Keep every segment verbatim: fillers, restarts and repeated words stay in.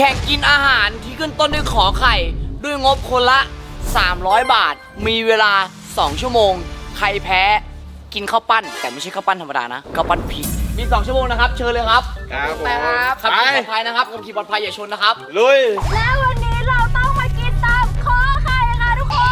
แข่งกินอาหารที่ขึ้นต้นด้วยขอไข่ด้วยงบคนละสามร้อยบาทมีเวลาสองชั่วโมงใครแพ้กินข้าวปั้นแต่ไม่ใช่ข้าวปั้นธรรมดานะข้าวปั้นพริกมีสองชั่วโมงนะครับเชิญเลยครับครับผมครับขับขี่ปลอดภัยนะครับขับขี่ปลอดภัยอย่าชนนะครับลุยแล้ววันนี้เราต้องมากินตามขอไข่ค่ะทุกคน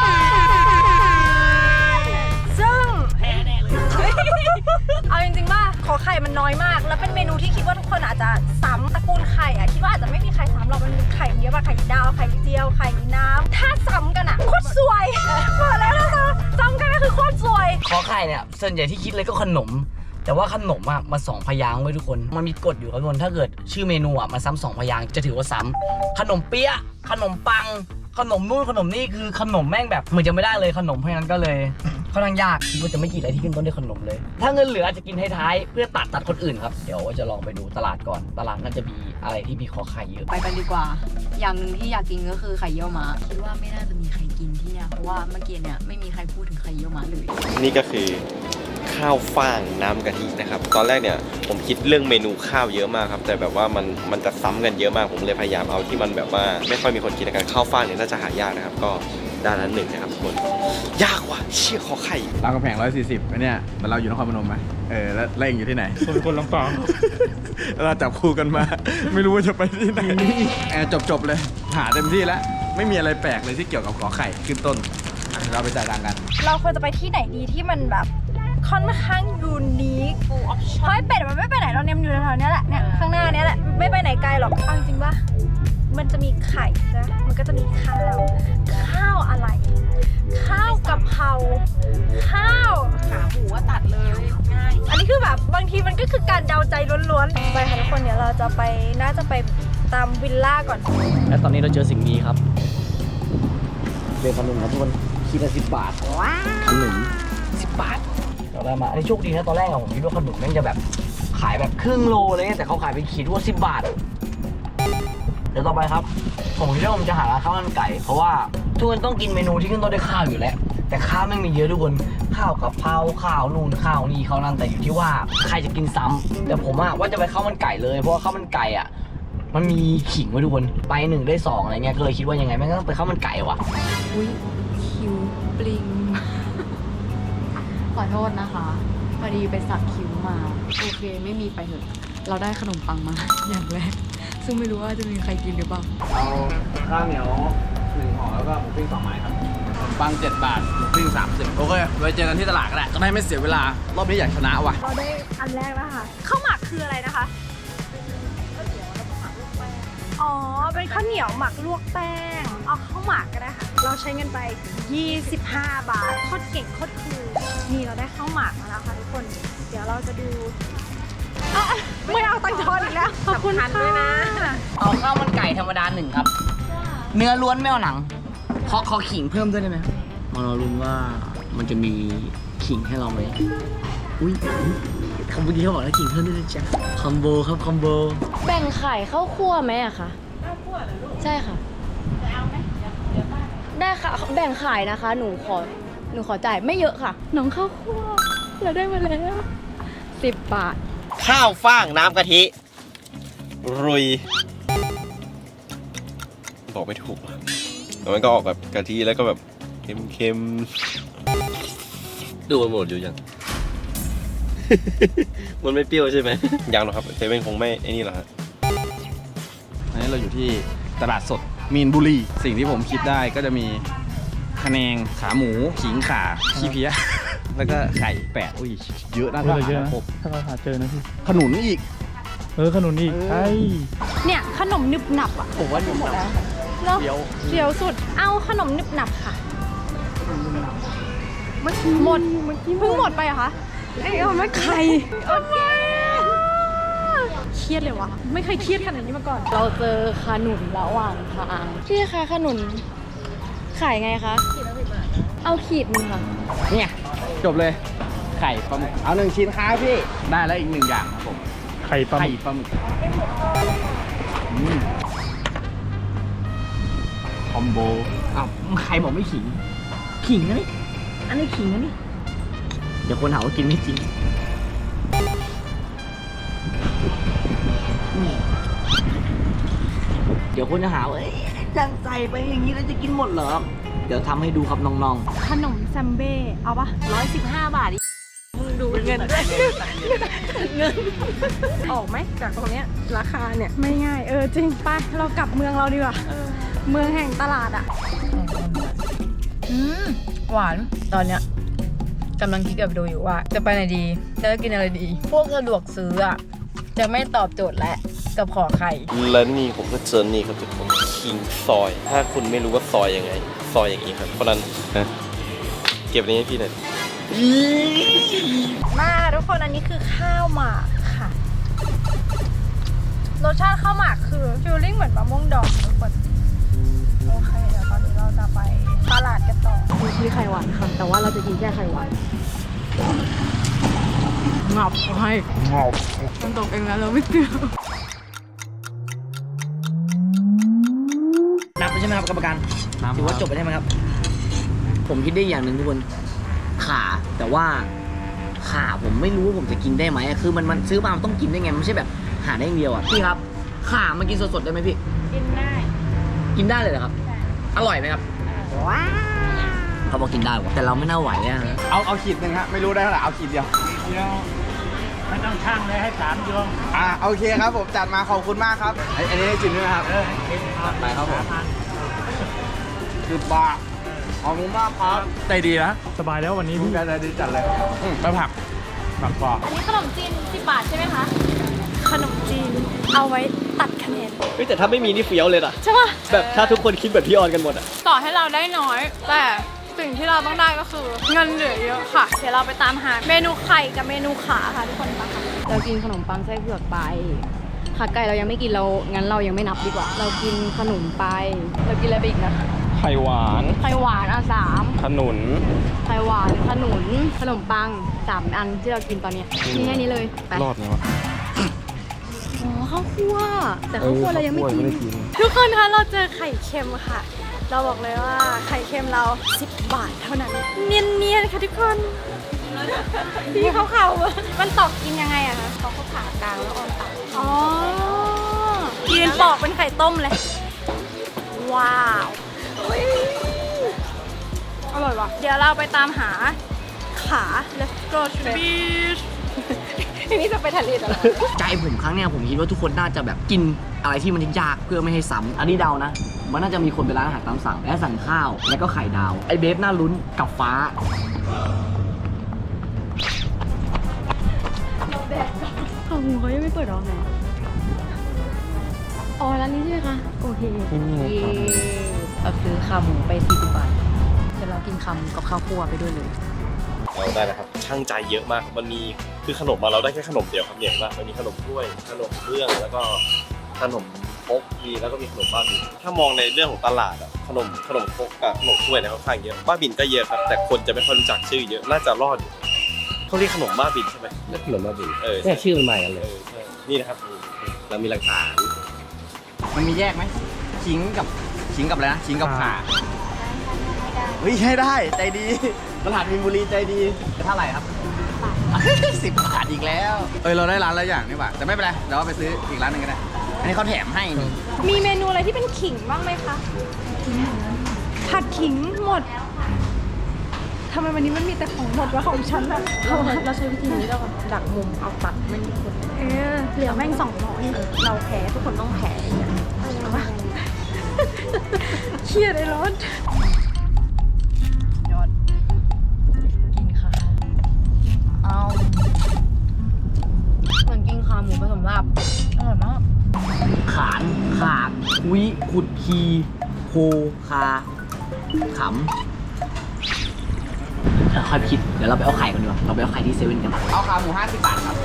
ซึ่งแพ้แน่เลย เอาจริงๆว่าขอไข่มันน้อยมาก แล้วเป็นเมนูที่คิดว่าทุกคนอาจจะซ้ำตระกูลไข่อะคิดว่าอาจจะไม่มีใครซ้ำเรามันมีไข่เยอะมากไข่ดาวไข่เจียวไข่น้ำถ้าซ้ำกันอะโคตรสวยบอกแล้วนะซ้ำกันก็คือโคตรสวยขอไข่เนี่ยส่วนใหญ่ที่คิดเลยก็ขนม แต่ว่าขนมอ่ะมาสองพยางค์ไว้ทุกคนมันมีกฎอยู่ครับทุกคนถ้าเกิดชื่อเมนูอ่ะมาซ้ำสองพยางค์จะถือว่าซ้ำขนมเปี๊ยะขนมปัง ขนมนู่นขนมนี่คือขนมแม่งแบบเหมือนจะไม่ได้เลยขนมเพราะฉะนั้นก็เลยค่อนข้างยากคิดว่าจะไม่กินอะไรที่ขึ้นต้นด้วยขนมเลย ถ้าเงินเหลืออาจจะกินท้ายๆเพื่อตัดตัดคนอื่นครับเดี๋ยวว่าจะลองไปดูตลาดก่อนตลาดน่าจะมีอะไรที่มีขอไข่เยอะไปกันดีกว่า อย่างหนึ่งที่อยากกินก็คือไข่เยี่ยวม้าคิดว่าไม่น่าจะมีใครกินที่เนี่ย เพราะว่าเมื่อกี้เนี่ยไม่มีใครพูดถึงไข่เยี่ยวม้าเลยนี่ก็คือข้าวฟ่างน้ำกะทินะครับตอนแรกเนี่ยผมคิดเรื่องเมนูข้าวเยอะมากครับแต่แบบว่ามันมันจะซ้ำกันเยอะมากผมเลยพยายามเอาที่มันแบบว่าไม่ค่อยมีคนกินกันข้าวฟ่างเนี่ยน่าจะหายากนะครับก็ด้านนั้นหนึ่งนะครับทุกคนยากว่ะเชี่ยขอไข่รามคำแหงร้อยสี่สิบไอ้เนี่ยมันเราอยู่นครพนมไหมเออแล้วเล่งอยู่ที่ไหนคนคนลำปางแล้วเราจับคู่กันมา ไม่รู้ว่าจะไปที่ไหนแอบจบจบๆเลย หาเต็มที่แล้ว ไม่มีอะไรแปลกเลยที่เกี่ยวกับขอไข่ขึ้นต้นอ่ะเราไปจ่ายตังค์กันเราควรจะไปที่ไหนดีที่มันแบบค่อนข้างยูนิคเพราะไอ้เป็ดมันไม่ไปไหนเราเนี่ยมันอยู่แถวๆนี้แหละเนี่ยข้างหน้านี้แหละไม่ไปไหนไกลหรอกเอาจริงๆป่ะมันจะมีไข่นะมันก็จะมีข้าวข้าวอะไร ข้าวกะเพราข้าวขาหมูว่าตัดเลยง่ายอันนี้คือแบบบางทีมันก็คือการเดาใจล้วนๆไปค่ะทุกคนเดี๋ยวเราจะไปน่าจะไปตามวิลล่าก่อนและตอนนี้เราเจอสิ่งนี้ครับเรียนขนมครับทุกคนคิดละสิบบาทขนมสิบบาทเราได้มาอันนี้โชคดีนะตอนแรกอะผมคิดว่าขนมแม่งจะแบบขายแบบครึ่งโลเลยแต่เขาขายเป็นขีดว่าสิบบาทเดี๋ยวต่อไปครับผมคิดว่าผมจะหาร้านข้าวมันไก่เพราะว่าทุกคนต้องกินเมนูที่ขึ้นต้นด้วยข้าวอยู่แล้วแต่ข้าวไม่มีเยอะทุกคนข้าวกับเพราข้าวนู่นข้าวนี่ข้าวนั่นแต่อยู่ที่ว่าใครจะกินซ้ำแต่ผมอะว่าจะไปข้าวมันไก่เลยเพราะว่าข้าวมันไก่อะมันมีขิงไว้ทุกคนไปหนึ่งได้สองอะไรเงี้ยก็เลยคิดว่ายังไงแม่งก็ต้องไปข้าวมันไก่ว่ะอุ้ยคิวปลิง ขอโทษนะคะพอดีไปสักคิ้วมา โอเคไม่มีไปเถอะเราได้ขนมปังมา อย่างแรก ซึ่งไม่รู้ว่าจะมีใครกินหรือเปล่าเอาข้าวเหนียวหนึ่งห่อแล้วก็หมูปิ้งสองไม้ครับขนมปังเจ็ดบาทหมูปิ้งสามสิบโอเคไว้เจอกันที่ตลาดก็ได้จะได้ไม่เสียเวลารอบนี้อยากชนะว่ะเราได้อันแรกแล้วค่ะข้าวหมักคืออะไรนะคะอ๋อเป็นข้าวเหนียวหมักลวกแป้งเอาข้าวหมักก็ได้ค่ะเราใช้เงินไปยี่สิบห้าบาทโคตรเก่งโคตรคูลนี่เราได้ข้าวหมักมาแล้วค่ะทุกคนเดี๋ยวเราจะดูอ่ะไม่เอาตังค์ทอนอีกแล้วขอบคุณด้วยนะเอาข้าวมันไก่ธรรมดาหนึ่งครับ เนื้อล้วนไม่เอาหนังขอขอขิงเพิ่มด้วยได้ไหมมาเราลุ้นว่ามันจะมีขิงให้เราไหมอุ้ยคำพูดนี้เขาบอกแล้วขิงเพิ่มด้วยนะจ๊ะคอมโบครับคอมโบแบ่งไข่ข้าวคั่วไหมอะคะข้าวคั่วเหรอลูกใช่ค่ะเอาไหมได้ค่ะแบ่งขายนะคะ หนูขอหนูขอจ่ายไม่เยอะค่ะน้องข้าวคั่วเราได้มาแล้วสิบบาทข้าวฟ่างน้ำกะทิรุยบอกไม่ถูกแล้วมันก็ออกแบบกะทิแล้วก็แบบเค็มๆดูมันหมดอยู่ยัง มันไม่เปรี้ยวใช่ไหมยังหรอกครับเซเว่นคงไม่ไอ้นี่หรอกครับอันนี้เราอยู่ที่ตลาดสดมีนบุรีสิ่งที่ผมคิดได้ก็จะมีคะแนงขาหมูขิงขาขี้เพี้ย แล้วก็ไข่แปดอุ้ยเยอะนะเยอะเยอะนะครบถ้าเราหาเจอนะพี่ขนุนอีกเออขนุนอีกใช่เนี่ยขนมนึบหนับอ่ะผมว่าหนุ่มแล้วแล้วเดี๋ยวเดี๋ยวสุดเอาขนมนึบหนับค่ะหมดเพิ่งหมดไปเหรอคะไอ้เอาไม่ไข่โอเคเครียดเลยวะไม่เคยเครียดขนาดนี้มาก่อนเราเจอขนุนระหว่างทางพี่คะขนุนขายไงคะขีดละสิบบาทเอาขีดหนึงค่ะเนี่ยจบเลยไข่ปลาหมึกเอาหนึ่งชิ้นครับพี่ได้แล้วอีกหนึ่งอย่างครับผมไข่ปลาหไข่มึกปลาหมึกอืมคอมโบอ้าวใครบอกไม่ขิง ขิงนะนี่อันนี้ขิงนะนี่เดี๋ยวคนหาว่ากินไม่จริงอืมดี๋ยวคนจะหาว่าเอ้ยจังใส่ไปอย่างนี้แล้วจะกินหมดเหรอ เดี๋ยวทำให้ดูครับน้องขนมแซมเบ้เอาปะร้อยสิบห้าบาทอีกมึงดูเงินด้วยเงินออกไหมจากตรงเนี้ยราคาเนี่ยไม่ง่ายเออจริงไปเรากลับเมืองเราดีกว่าเมืองแห่งตลาดอ่ะอืมหวานตอนเนี้ยกำลังคิดกับดูอยู่ว่า จะไปไหนดีจะกินอะไรดี พวกสะดวกซื้ออะจะไม่ตอบโจทย์และกับขอไข่และนี่ผมก็เจอนี่ครับทุกคนคิงซอย ถ้าคุณไม่รู้ว่าซอยยังไง ซอยอย่างนี้ครับ เพราะนั้นนะเก็บอันนี้ให้พี่หน่อยมาทุกคนอันนี้คือข้าวหมากค่ะรสชาติข้าวหมากคือฟิลลิ่งเหมือนมะม่วงดองทุกคนโอเคเดี๋ยวตอนนี้เราจะไปตลาดกันต่อมีชีไข่หวานค่ะ แต่ว่าเราจะกินแค่ไข่หวานงับให้งับมันตกเองแล้วเราไม่เกี่ยวๆนับไปใช่ไหมครับกรรมการถือว่าจบไปได้ไหมครับ ผมคิดได้อย่างหนึ่งทุกคนขาแต่ว่าขาผมไม่รู้ว่าผมจะกินได้ไหมคือมันมันซื้อมามันต้องกินได้ไงมันไม่ใช่แบบหาได้อย่างเดียวอ่ะพี่ครับขามันกินสดๆได้ไหมพี่กินได้กินได้เลยเหรอครับ อร่อยไหมครับเขาบอกกินได้ว่ะแต่เราไม่น่าไหวอะฮะเอาเอาขีดหนึ่งฮะไม่รู้ได้เท่าไหร่เอาขีดเดียวไม่ต้องช่างเลยให้สามดวงอ่าโอเคครับผมจัดมาขอบคุณมากครับอันอันนี้ให้จิมด้วยนะครับจัดไปครับผมคือบาขอบคุณมากครับใจดีนะ สบายแล้ววันนี้พี่พี่ใจดีจัดเลยอืมไปผักผักกรอบอันนี้ขนมจีนสิบบาทใช่ไหมคะขนมจีนเอาไว้ตัดคะแนนเฮ้ยแต่ถ้าไม่มีนี่เฟี้ยวเลยนะใช่ปะแบบถ้าทุกคนคิดแบบพี่ออนกันหมดอ่ะต่อให้เราได้น้อย แต่สิ่งที่เราต้องได้ก็คือเงินเหลือเยอะค่ะ เดี๋ยวเราไปตามหาเมนูไข่กับเมนูขาค่ะทุกคนไปค่ะเรากินขนมปังไส้เผือกไปขาไก่เรายังไม่กินเรางั้นเรายังไม่นับดีกว่า เรากินขนมไป เรากินอะไรไปอีกนะไข่หวานไข่หวานอ่ะสามขนุนไข่หวานขนุนขนมปังสามอันที่เรากินตอนเนี้ยมีแค่นี้เลยไปรอดไงวะอ๋อข้าวคั่วแต่ข้าวคั่วเรายังไม่กินทุกคนคะเราเจอไข่เค็มค่ะ เราบอกเลยว่าไข่เค็มเราสิบบาทเท่านั้น เนียนๆค่ะทุกคนพี่เขาเขาๆมันตอกกินยังไงอะคะเขาก็ผ่ากลางแล้วออนตัดอ๋อยืนปอกเป็นไข่ต้มเลย ว้าวอุ๊ยอร่อยว่ะเดี๋ยวเราไปตามหาขา let's go to the beach นี่จะไปทะเลตลอดใจผมครั้งเนี้ยผมคิดว่าทุกคนน่าจะแบบกินอะไรที่มันยากเพื่อไม่ให้ซ้ำอันนี้เดานะ มันน่าจะมีคนไปร้านอาหารตามสั่งและสั่งข้าว แล้วก็ไข่ดาว ไอ้เบฟน่าลุ้นกับฟ้าข้าวหมูเขายังไม่เปิดหรอไหนอ๋อร้านนี้ใช่ไหมคะโอเคเย้เราซื้อขาหมูไปสี่สิบบาทเดี๋ยวเรากินคำกับข้าวคั่วไปด้วยเลยเราได้นะครับช่างใจเยอะมากครับมันมีคือขนมมาเราได้แค่ขนมเดียวครับเนี่ยว่ามันมีขนมถ้วยขนมเบื้องแล้วก็ขนมครกมีแล้วก็มีขนมบ้าบินถ้ามองในเรื่องของตลาดอะขนมขนมครกกับขนมถ้วยเนี่ยค่อนข้างเยอะบ้าบินก็เยอะครับแต่คนจะไม่ค่อยรู้จักชื่อเยอะน่าจะรอดอยู่เขาเรียกขนมบ้าบินใช่ไหมเลือกขนมมาบินเออเนี่ยชื่อมันใหม่กันเลเอย อใช่นี่นะครับเรามีหลักฐานมันมีแยกไหมขิงกับขิงกับอะไรนะขิงกับข่าเฮ้ยให้ได้ใจดีตลาดมีนบุรีใจดีเท่าไหร่ครับสิบบาทอีกแล้วเออเราได้ร้านละอย่างนี่หว่าแต่ไม่เป็นไรเดี๋ยวเราไปซื้ออีกร้านหนึ่งก็ได้อันนี้เขาแถมให้นี่มีเมนูอะไรที่เป็นขิงบ้างไหมคะผัดขิงหมดทำไมวันนี้มันมีแต่ของหมดวะของฉันอะเราเราใช้วิธีนี้เราดักมุมเอาตัดไม่มีคนเออเหลือแม่งสองร้อยเราแพ้ทุกคนต้องแพ้เอาปะเครียดไอ้ร้อนยอดกินค่ะเอาเหมือนกินขาหมูผสมลาบอร่อยมากขานขาดคุยขุดคีโคคาขำเดี๋ยวค่อยคิด เดี๋ยวเราไปเอาไข่กันดีกว่า เราไปเอาไข่ที่เซเว่นกันเอาขาหมูห้าสิบบาทครับ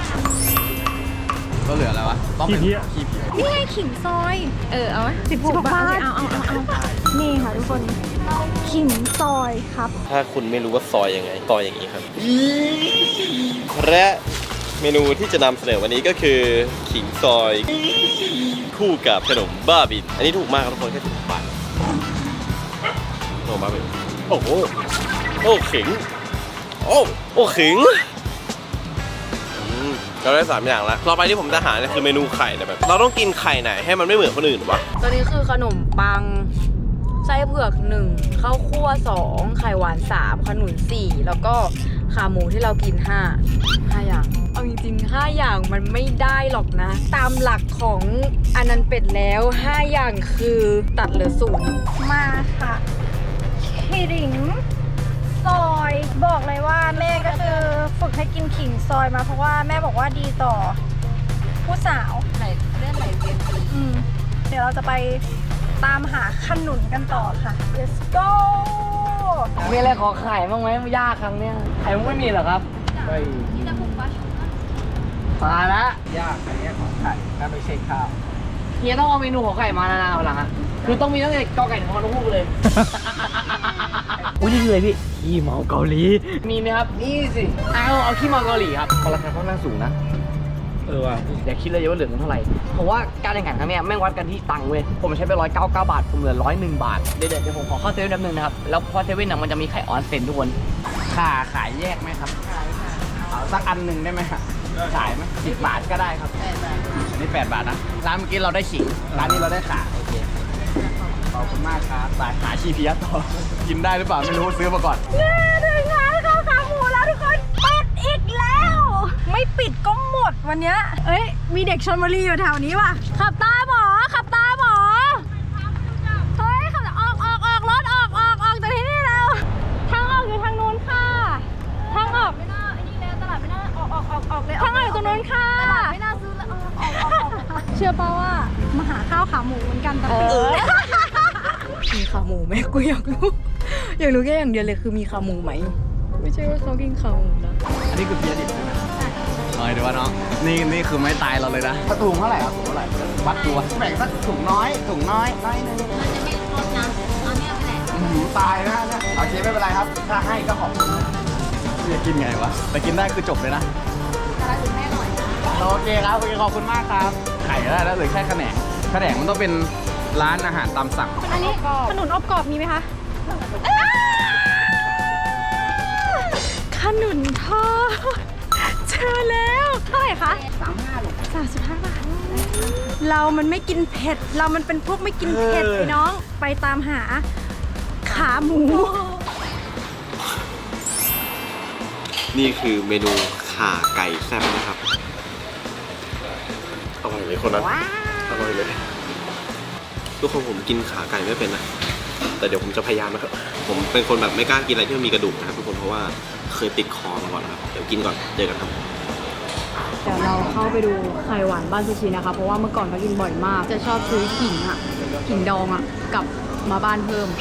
ก็เหลืออะไรวะต้องเป็นขี้เพี้ยขี้เพี้ยนี่ไงขิงซอยเออเอาไหมสิบหกบาทเอาเอาเอาเอานี่ค่ะทุกคนขิงซอยครับถ้าคุณไม่รู้ว่าซอยยังไงซอยอย่างนี้ครับและเมนูที่จะนำเสนอวันนี้ก็คือขิงซอยคู่กับขนมบ้าบินอันนี้ถูกมากครับทุกคนแค่สิบบาทขนมบ้าบินโอ้โหโอ้ขิงโอ้โอ้ขิงอืมเราได้สามอย่างแล้วต่อไปที่ผมจะหาเนี่ยคือเมนูไข่แต่แบบเราต้องกินไข่ไหนให้มันไม่เหมือนคนอื่นวะตัวนี้คือขนมปังไส้เผือกหนึ่งข้าวคั่วสองไข่หวานสามขนุนสี่แล้วก็ขาหมูที่เรากินห้าห้าอย่างเอาจริงๆห้าอย่างมันไม่ได้หรอกนะ ตามหลักของอนันต์เป็ดแล้วห้าอย่างคือตัดเหลือศูนย์มาค่ะขิงซอยบอกเลยว่าแม่ก็คือฝึกให้กินขิงซอยมาเพราะว่าแม่บอกว่าดีต่อผู้สาวไหนเลื่อนไหนเวียนทีอืมเดี๋ยวเราจะไปตามหาขนุนกันต่อค่ะ let's go มีอะไรขอไข่บ้างไหมยากครั้งเนี้ยไข่มันไม่มีเหรอครับไม่มาละยากอันนี้ของไข่ถ้าไม่ใช่ข้าวเฮียต้องเอาเมนูของไข่มานานๆหลังอ่ะคือต้องมีตั้งแต่กอไก่ถึงฮอนกฮูกเลย อุ้ยนี่คืออะไรพี่ขี้เมาเกาหลีมีไหมครับนี่สิเอาเอาขี้เมาเกาหลีครับราคาค่อนข้างสูงนะเออว่ะอย่าคิดเลยว่าเหลือเงินเท่าไหร่เพราะว่าการแข่งขันครั้งนี้แม่งวัดกันที่ตังค์เว้ยผมใช้ไปร้อยเก้าเก้าบาทผมเหลือร้อยหนึ่งบาทเดี๋ยวเดี๋ยวผมขอเข้าเซเว่นแป๊บนึงนะครับแล้วพอเซเว่นน่ะมันจะมีไข่ออนเซ็นทุกคนข่าขายแยกไหมครับขายค่ะเอาสักอันหนึ่งได้ไหมครับขายไหมสิบบาทก็ได้ครับอันนี้แปดบาทนะร้านเมื่อกี้เราได้ขิงร้านนี้เราได้ข่าโอเคขอบคุณมากครับไปหาชีเพียต่อกินได้หรือเปล่าไม่รู้ซื้อมาก่อนเย้ถึงร้านข้าวขาหมูแล้วทุกคนปิดอีกแล้ว ไม่ปิดก็หมดวันเนี้ยเอ้ยมีเด็กชลบุรีอยู่แถวนี้ว่ะขับตามหมอขับตามหมอเฮ้ยขับออกออกออกรถออกออกออกจากที่นี่แล้วทางออกอยู่ทางนู้นค่ะทางออกไม่น่าไอ้นี่แล้วตลาดไม่น่าออกออกออกออกเลยทางออกอยู่ตรงนู้นค่ะตลาดไม่น่าซื้อแล้วออกออกออกเชื่อป่าว่ามาหาข้าวขาหมูเหมือนกันแต่ปิดมีขาหมูไหมกูอยากรู้อยากรู้แค่อย่างเดียวเลยคือมีขาหมูไหมไม่ใช่ว่าเขากินขาหมูนะอันนี้คือเพียดิบใช่ไหมเออเดี๋ยวว่าน้องนี่นี่คือไม่ตายเราเลยนะถุงเท่าไหร่ครับถุงเท่าไหร่วัดตัวแบ่งสักถุงน้อยถุงน้อยน้อยนึงอืมตายนะเนี่ยโอเคไม่เป็นไรครับถ้าให้ก็ขอบคุณจะกินไงวะแต่กินได้คือจบเลยนะโอเคครับโอเคขอบคุณมากครับไข่ก็ได้แล้วเหลือแค่ขนงขนงมันต้องเป็นร้านอาหารตามสั่งอันนี้ขนุนอบกรอบมีไหมคะขนุนทอดเจอแล้วเท่าไหร่คะสามห้าหรอสามสิบห้าบาทเรามันไม่กินเผ็ดเรามันเป็นพวกไม่กินเผ็ดไอ้น้องไปตามหาขาหมูนี่คือเมนูข่าไก่แซ่บนะครับอร่อยเลยคนนั้นอร่อยเลยทุกคนผมกินขาไก่ไม่เป็นนะแต่เดี๋ยวผมจะพยายามนะครับผมเป็นคนแบบไม่กล้ากินอะไรที่มันมีกระดูกนะครับทุกคนเพราะว่าเคยติดคอมาก่อนนะครับเดี๋ยวกินก่อนเจอกันครับเดี๋ยวเราเข้าไปดูไข่หวานบ้านซูชินะคะเพราะว่าเมื่อก่อนเขากินบ่อยมาก จะชอบซื้อขิงอ่ะขิงดองอ่ะกลับมาบ้านเพิ่ม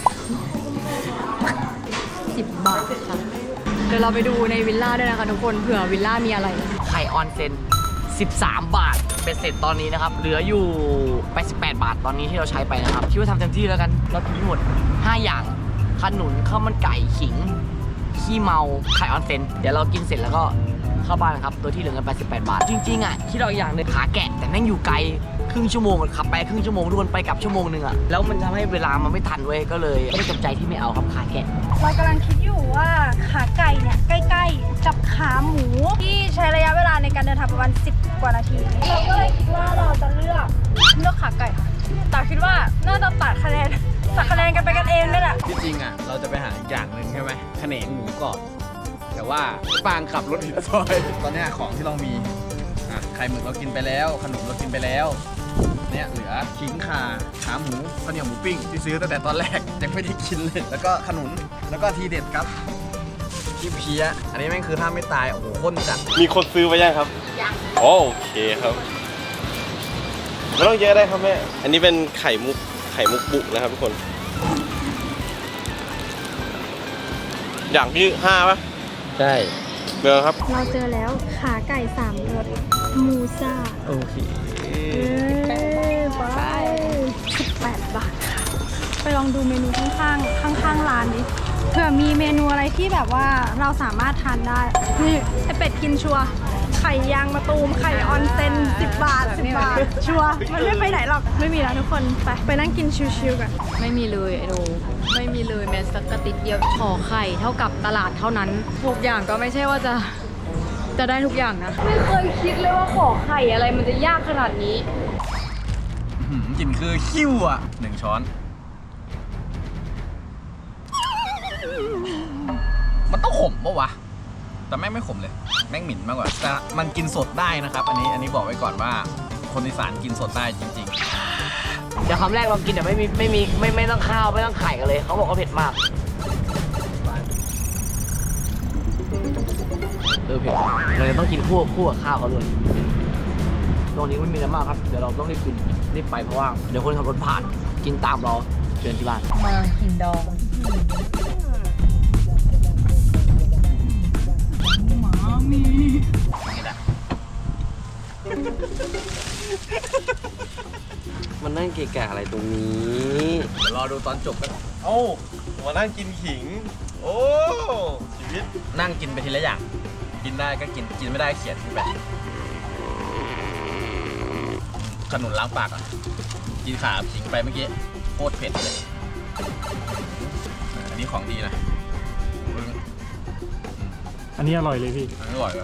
สิบบาทค่ะเดี๋ยวเราไปดูในวิลล่าด้วยนะคะทุกคนเผื่อวิลล่ามีอะไรไข่ออนเซ็นสิบสามบาทเป็นเสร็จตอนนี้นะครับเหลืออยู่แปดสิบแปดบาทตอนนี้ที่เราใช้ไปนะครับคิดว่าทำเต็มที่แล้วกันเรากินหมดห้าอย่างขนุนข้าวมันไก่ขิงขี้เมาไข่ออนเซ็นเดี๋ยวเรากินเสร็จแล้วก็เข้าบ้านครับตัวที่เหลือเงินแปดสิบแปดบาทจริงๆอ่ะคิดเอาอย่างหนึงขาแกะแต่แม่งอยู่ไกลครึ่งชั่วโมงขับไปครึ่งชั่วโมงทุกคนไปกลับชั่วโมงนึงอ่ะแล้วมันทำให้เวลามันไม่ทันเว้ยก็เลยไม่ได้จำใจที่ไม่เอาครับขาแกะเรากำลังคิดอยู่ว่าขาไก่เนี่ยใกล้ๆกับขาหมูที่ใช้ระยะเวลาในการเดินทางประมาณสิบกว่านาทีเราก็เลยคิดว่าเราจะเลือกเลือกขาไก่ค่ะแต่คิดว่าน่าจะตัดคะแนนตัดคะแนนกันไปกันเองนี่แหละที่จริงอ่ะเราจะไปหาอีกอย่างหนึ่งใช่ไหมขนงหมูกรอบแต่ว่าปางขับรถผิดซอยตอนเนี้ยของที่เรามีอ่ะไข่หมึกเรากินไปแล้วขนมเรากินไปแล้วเนี่ยเหลือขิงข่าขาหมูข้าวเหนียวหมูปิ้งที่ซื้อตั้งแต่ตอนแรกยังไม่ได้กินเลยแล้วก็ขนุนแล้วก็ทีเด็ดครับที่เพี้ยอันนี้แม่งคือถ้าไม่ตายโอ้โหข้นจัดมีคนซื้อไปยังครับยังโอเคครับไม่ต้องเยอะได้ครับแม่อันนี้เป็นไข่มุกไข่มุกบุกนะครับทุกคนอย่างที่ห้าป่ะใช่เบอร์ครับเราเจอแล้วขาไก่สามรสมูซ่าโอเคไปสิบแปดบาทค่ะไปลองดูเมนูข้างๆข้างๆร้านดิเผื่อมีเมนูอะไรที่แบบว่าเราสามารถทานได้นี่ไอเป็ดกินชัวร์ไข่ยางมะตูมไข่ออนเซนสิบบาทสิบบาทชัวร์มันไม่ไปไหนหรอกไม่มีแล้วทุกคนไปไปนั่งกินชิวๆกันไม่มีเลยไอโดไม่มีเลยแม้สักกระติดเดียวขอไข่เท่ากับตลาดเท่านั้นทุกอย่างก็ไม่ใช่ว่าจะจะได้ทุกอย่างนะไม่เคยคิดเลยว่าขอไข่อะไรมันจะยากขนาดนี้อื้อหือกลิ่นคือคิ้วอ่ะหนึ่งช้อน มันต้องขมปะวะ แต่แม่งไม่ขมเลย แม่งหมิ่นมากกว่า แต่มันกินสดได้นะครับ อันนี้อันนี้บอกไว้ก่อนว่า คนอีสานกินสดได้จริงเดี๋ยวคำแรกเรากินแต่ไม่มีไม่มีไม่ไม่ต้องข้าวไม่ต้องไข่กันเลยเขาบอกว่าเผ็ดมากเออเผ็ดเราจะต้องกินคู่คู่กับข้าวเขาด้วยตรงนี้ไม่มีน้ำมากครับเดี๋ยวเราต้องรีบกินรีบไปเพราะว่าเดี๋ยวคนขับรถผ่านกินตามเราเชิญที่บ้านมาหินดองมันนั่งเกะกะอะไรตรงนี้ๆ เดี๋ยวรอดูตอนจบกันเอ้ามานั่งกินขิง โอ้ชีวิตนั่งกินไปทีละอย่าง กินได้ก็กิน กินไม่ได้เขียนไปขนุนล้างปากอ่ะ กินขาขิงไปเมื่อกี้โคตรเผ็ดเลย อันนี้ของดีนะอันนี้อร่อยเลยพี่อันนี้อร่อยเลย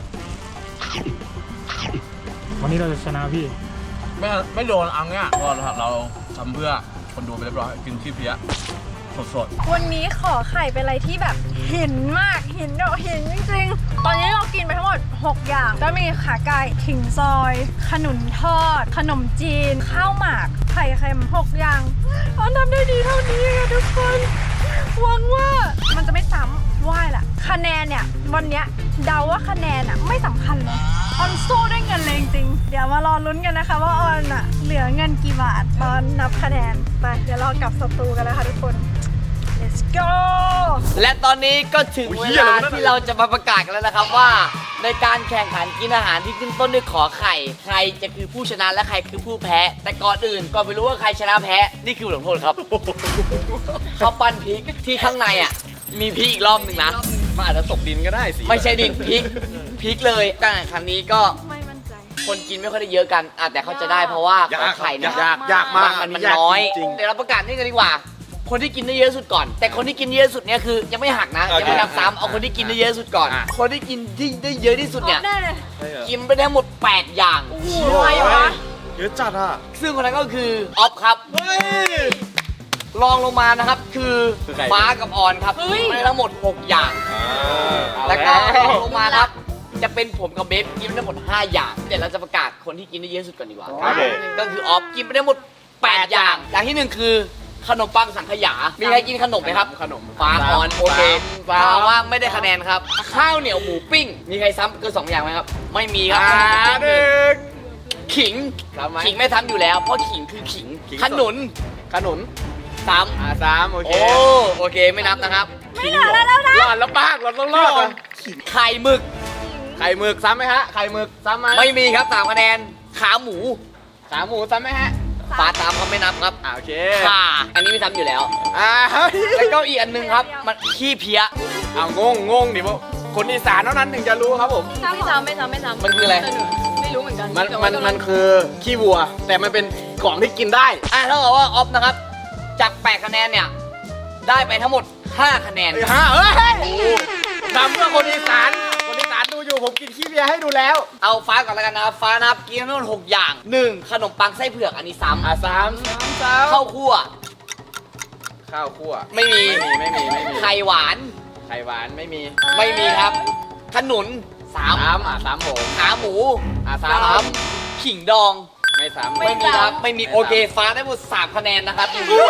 วันนี้เราจะชนะพี่ไม่ไม่โดนอังเนี่ยเพราะเราเราทำเพื่อคนดูไปเรียบร้อยกินขี้เพี้ยสดวันนี้ขอไข่เป็นอะไรที่แบบเห็นมากเห็นแบบเห็นจริงๆ ตอนนี้เรากินไปทั้งหมดหกอย่างก็มีขาไก่ขิงซอย ขนุนทอด ขนมจีน ข้าวหมากไข่เค็มหกอย่างออนทำได้ดีเท่านี้ค่ะทุกคนหวังว่ามันจะไม่ซ้ำว่าแหละคะแนนเนี่ยวันเนี้ยเดาว่าคะแนนอ่ะไม่สำคัญเลยออนสู้ด้วยเงินเลยจริงๆเดี๋ยวมารอลุ้นกันนะคะว่าออนอ่ะเหลือเงินกี่บาทตอนนับคะแนนไปเดี๋ยวเรากลับสตูกันแล้วค่ะทุกคน let's go และตอนนี้ก็ถึงเวลาที่เราจะมาประกาศกันแล้วนะครับว่า ในการแข่งขันกินอาหารที่ขึ้นต้นด้วยขอไข่ใครจะคือผู้ชนะและใครคือผู้แพ้ แต่ก่อนอื่นก่อนไปรู้ว่าใครชนะแพ้นี่คือลงโทษครับ เขาปั้นพริกที่ข้างในอ่ะมีพริกอีกรอบหนึ่งนะมันอาจจะตกดินก็ได้สิไม่ใช่ดินพริกพริกเลยการแข่งขันนี้ก็ไม่มั่นใจคนกินไม่ค่อยได้เยอะกันอ่ะแต่เขาจะได้เพราะว่าขอไข่เนี่ยยากยากมากมันมันยากน้อยจริงเดี๋ยวเราประกาศนี่กันดีกว่า คนที่กินได้เยอะสุดก่อน แต่คนที่กินเยอะสุดเนี่ยคือยังไม่หักนะยังไม่นับซ้ำเอาคนที่กินได้เยอะสุดก่อน คนที่กินที่ได้เยอะที่สุดเนี่ยได้เลยกินไปได้หมดแปดอย่างใครวะเยอะจัดอ่ะซึ่งคนนั้นก็คือออฟครับเฮ้ยรองลงมานะครับคือคือใครฟ้ากับออนครับกินไปได้ทั้งหมดหกอย่างอ่าแล้วก็รองลงมาครับ จะเป็นผมกับเบฟกินไปได้หมดห้าอย่าง เดี๋ยวเราจะประกาศคนที่กินได้เยอะสุดก่อนดีกว่าโอเคก็คือออฟกินไปได้หมดแปดอย่าง อย่างที่หนึ่งคือขนมปังสังขยา มีใครกินขนมไหมครับขนมฟ้าออนโอเคฟ้าถ้าว่าไม่ได้คะแนนครับ ข้าวเหนียวหมูปิ้ง มีใครซ้ำเกินสองอย่างไหมครับ ไม่มีครับอ่าหนึ่งขิงซ้ำไหมขิงไม่ซ้ำอยู่แล้ว เพราะขิงคือขิงขิงสดขนุนขนุนซ้ำอ่าสามโอเคโอ้โอเคไม่นับนะครับไม่เหลือแล้วแล้วนะรอดแล้วป้ากเราต้องรอดอ่ะไข่หมึกไข่หมึกซ้ำไหมฮะ ไข่หมึกซ้ำไหมไม่มีครับสามคะแนน ขาหมูขาหมูซ้ำไหมฮะปลาตามเขาไม่นับครับอ่าโอเคข่าอันนี้ไม่ซ้ำอยู่แล้วอ่าเฮ้ยแล้วก็อีกอันหนึงครับ มันขี้เพี้ยเอางงงงดิว่าคนอีสานเท่านั้นถึงจะรู้ครับผมไม่ซ้ำไม่ซ้ำไม่ซ้ำมันคืออะไรแต่หนูไม่รู้เหมือนกันมันแต่มัว่านมันคือขี้วัว แต่มันเป็นของที่กินได้อ่ะเท่ากับว่าออฟนะครับ จากแปดคะแนนเนี่ย ได้ไปทั้งหมดห้าคะแนนเอ้ยฮะเอ้ยทำเพื่อคนอีสานคนอีสานดูอยู่ผมกินขี้เบียร์ให้ดูแล้วเอาฟ้าก่อนแล้วกันนะครับ ฟ้านะครับกินทั้งหมดหกอย่างหนึ่งขนมปังไส้เผือกอันนี้ซ้อ่ะสามสามสามำข้าวคั่วข้าวคั่วไม่มีไม่มีไม่มีไม่มีไข่หวานไข่หวานไม่มีไม่มีครับ ขนุนสามสามอ่ะสามผมขาหมูอ่ะสาสาม มขิงดองไม่สามไม่มีครับ ไม่มีโอเค ฟ้าได้หมดสามคะแนนนะครับ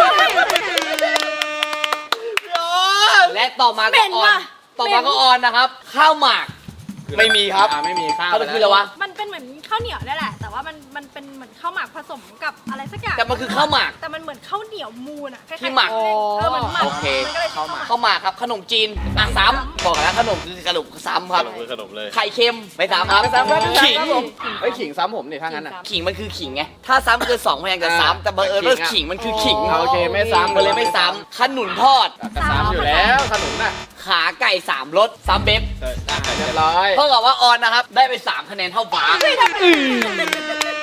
และต่อมาก็ออน ต่อมาก็ออนนะครับ ข้าวหมาก ไม่มีครับอ่ะไม่มีข้าวเขาคืออะไรวะมันเป็นเหมือนข้าวเหนียวนี่แหละ แต่ว่ามันมันเป็นเหมือนข้าวหมากผสมกับอะไรสักอย่างแต่มันคือข้าวหมากแต่มันเหมือนข้าวเหนียวมูนอะคล้ายๆที่หมักเออเหมือนหมักโอเคมันก็เลยข้าวหมากข้าวหมากครับ ขนมจีนอ่ะซ้ำบอกแล้วขนมคือขนมซ้ำครับคือขนมเลยไข่เค็มไม่ซ้ำครับไม่ซ้ำครับขิงเฮ้ยขิงซ้ำผมนี่ถ้างั้นอ่ะขิงมันคือขิงไง ถ้าซ้ำเกินสองพยางค์จะซ้ำแต่บังเอิญว่าขิงมันคือขิงโอเคไม่ซ้ำมันเลยไม่ซ้ำขนุนทอดก็ซ้ำอยู่แล้วขนุนน่ะขาไก่สามรสซ้ำเบฟเรียบร้อยเท่ากับว่าออนนะครับ ได้ไปสามคะแนนเท่าฟ้า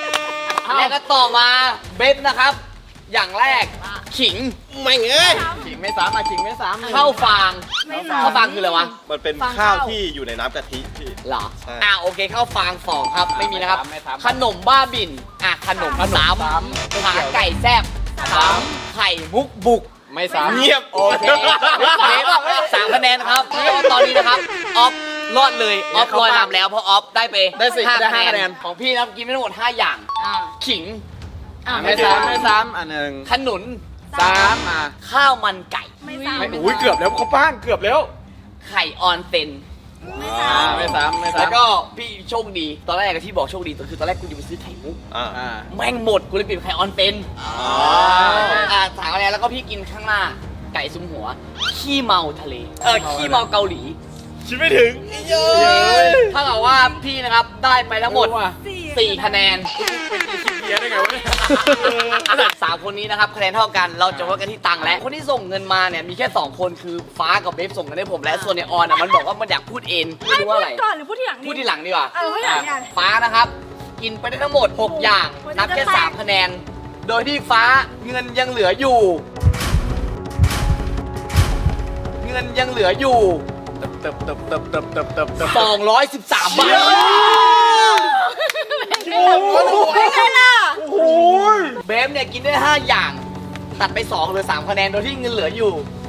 แล้วก็ต่อมาเบฟนะครับ อย่างแรกขิงไม่เอ้ยขิงไม่ซ้ำอ่ะขิงไม่ซ้ำข้าวฟางไม่ซ้ำข้าวฟางคืออะไรวะมันเป็นฟางข้าวข้าวที่อยู่ในน้ำกะทิพี่เหรอใช่อ่ะโอเคข้าวฟางสองครับไม่มีนะครับไม่ซ้ำขนมบ้าบินอ่ะขนมขนมสามซ้ำขาไก่แซ่บสามไข่มุกบุกไม่ซ้ำเงียบโอเคสามคะแนนครับตอนนี้นะครับออฟรอดเลยออฟลอยนำแล้วเพราะออฟได้ไปได้สิห้าได้คะห้าคะแนแนนนของพี่นะครับกินไม่ทั้งหมดห้าอย่างอ่าขิงอ่าไม่ซ้ำไม่ซ้ำอันหนึ่งขนุนซ้ำอ่ะข้าวมันไก่ไม่ซ้ำไม่อุ้ยเกือบแล้วเขาป้างเกือบแล้วไข่ออนเซนอ่าไม่ซ้ำไม่ซ้ำแล้วก็พี่โชคดี ตอนแรกที่บอกโชคดีตอนคือตอนแรกกูจะไปซื้อไข่มุกอ่าอ่าแม่งหมดกูเลยเปลี่ยนเป็นไข่ออนเซนอ๋ออ่าถามอะไรแล้วก็พี่กินข้างหน้า ไก่ซุ้มหัว ขี้เมาทะเล เออขี้เมาเกาหลีคิดไม่ถึงเยอะถ้ากับว่าพี่นะครับได้ไปทั้งหมดสี่คะแนนเพี้ยได้ไงวะเนี่ยสามคนนี้นะครับคะแนนเท่ากันเราจะวัดกันที่ตังค์และคนที่ส่งเงินมาเนี่ยมีแค่สองคนคือฟ้ากับเบฟส่งเงินให้ผมและส่วนในออนอ่ะมันบอกว่ามันอยากพูดเองไม่รู้ว่าอะไรก่อนหรือพูดที่หลังพูดทีหลังดีกว่าเออพูดทีหลังดีกว่าฟ้านะครับ กินไปได้ทั้งหมดหกอย่างโอ้โหนับแค่จะแตกสามคะแนน โดยที่ฟ้าเงินยังเหลืออยู่ เงินยังเหลืออยู่เติบเติบเติบเติบเติบเติบเติบสองร้อยสิบสามบาทไม่ใช่ล่ะเบฟเนี่ยกินได้ห้าอย่าง ตัดไปสองเหลือสามคะแนนโดยที่เงินเหลืออยู่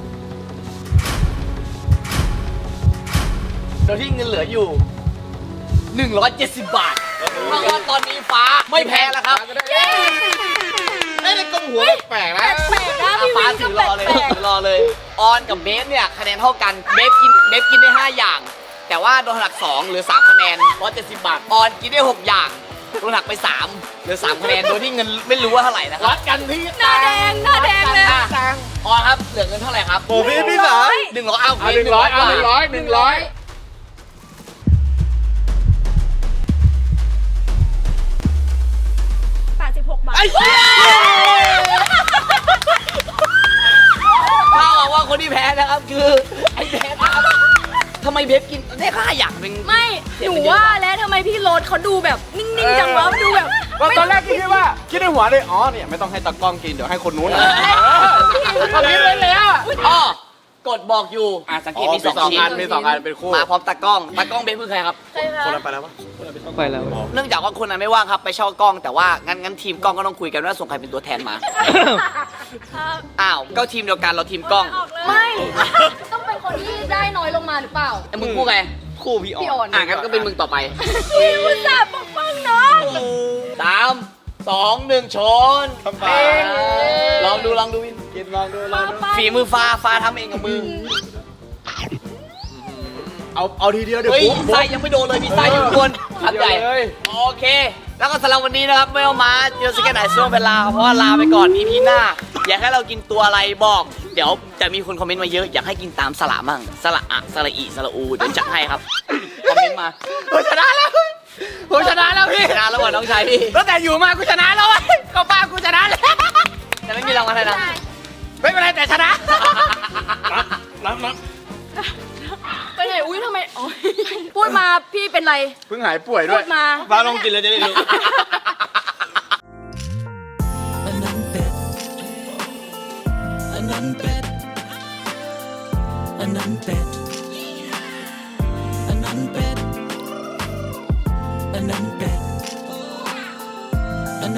โดยที่เงินเหลืออยู่หนึ่งร้อยเจ็ดสิบบาทเพราะว่าตอนนี้ฟ้าไม่แพ้แล้วครับไม่ได้กลมหัวแปลกๆนะแปลกๆนะอ่ะพี่ฟ้าวินถืก็อแปรอเลยลกถือรอเลย ออนกับเบฟเนี่ยคะแนนเท่ากัน เบฟกินเบฟกินได้ห้าอย่าง แต่ว่าโดนหักสองเหลือสามคะแนนร้อยเจ็ดสิบบาท ออนกินได้หกอย่าง โดนหักไปสามเหลือสามคะแนน โดยที่เงินไม่รู้ว่าเท่าไหร่นะครับวัดกันที่ๆหน้าแดงหน้าแดงเลยอ่ะออนครับ เหลือเงินเท่าไหร่ครับโอ้พี่พี่สายหนึ่งร้อยเอาเอาหนึ่งร้อยเอาหนึ่งร้อยหนึ่งร้อยแปดสิบหกบาทถ้าเอาว่าคนที่แพ้นะครับคือไอ้เบฟครับทำไมเบฟกินได้ห้าอย่างเป็นไม่หนูว่าแล้วทำไมพี่โรสเขาดูแบบนิ่งๆจังวะดูแบบก็ตอนแรกคิดว่าคิดในหัวเลยอ๋อเนี่ยไม่ต้องให้ตากล้องกินเดี๋ยวให้คนนู้นอ่ะก็คิดไว้แล้วอ๋อกดบอกอยู่อ่ะสังเกตมีสองสองชิ้อันนมีสองอันเป็นคู่มาพร้อมตากล้องตากล้องเบฟคือใครครับคนละไปแล้วปะไปแล้วเนื่องจากว่าคนนั้นไม่ว่างครับไปเช่ากล้องแต่ว่างั้นงั้นทีมกล้องก็ต้องคุยกันว่าส่งใครเป็นตัวแทนมา อ้าวก็ทีมเดียวกันเราทีมกล้องไม่ ต้องเป็นคนที่ได้น้อยลงมาหรือเปล่าไอ้มึงคู่ไงคู่พี่อพี่อออน นอ่ะงั้นก็เป็นมึงต่อไปพี่อุตส่าห์ปกป้องน้องสามสองหนึ่งชนทำไปเองลองดูลองดูวินกินลองดูลองดูฝีมือฟ้าฟ้าทำเองกับมือเอาเอาทีเดียวเดี๋ยวเฮ้ยปุ๊บไส้ยังไม่โดนเลยมีไส้อยู่ข้างบนคำใหญ่เลยโอเค แล้วก็สำหรับวันนี้นะครับไม่เอามาเจอสกันไหนช่วงเวลาเพราะว่าลาไปก่อน อี พี หน้า อยากให้เรากินตัวอะไรบอก เดี๋ยวจะมีคนคอมเมนต์มาเยอะอยากให้กินตามสละมั่งสละอะสละอีสละอูเดี๋ยวจัดให้ครับคอมเมนต์มาผมชนะแล้วผมชนะแล้วพี่ชนะแล้วว่ะน้องชายพี่ตั้งแต่อยู่มากูชนะแล้วเว้ยก็ป้ากูชนะแล้วแต่ไม่มีรางวัลอะไรนะไม่เป็นไรแต่ชนะน้ำน้ไปไหนอุ้ยทำไมอ๋อพูดมาพี่เป็นไรำเพิ่งหายป่วยด้พูวยดมาฟ้าลองกินเลยจะได้รู้อันนั้นเป็ด อันนั้นเป็ด อันนั้นเป็ด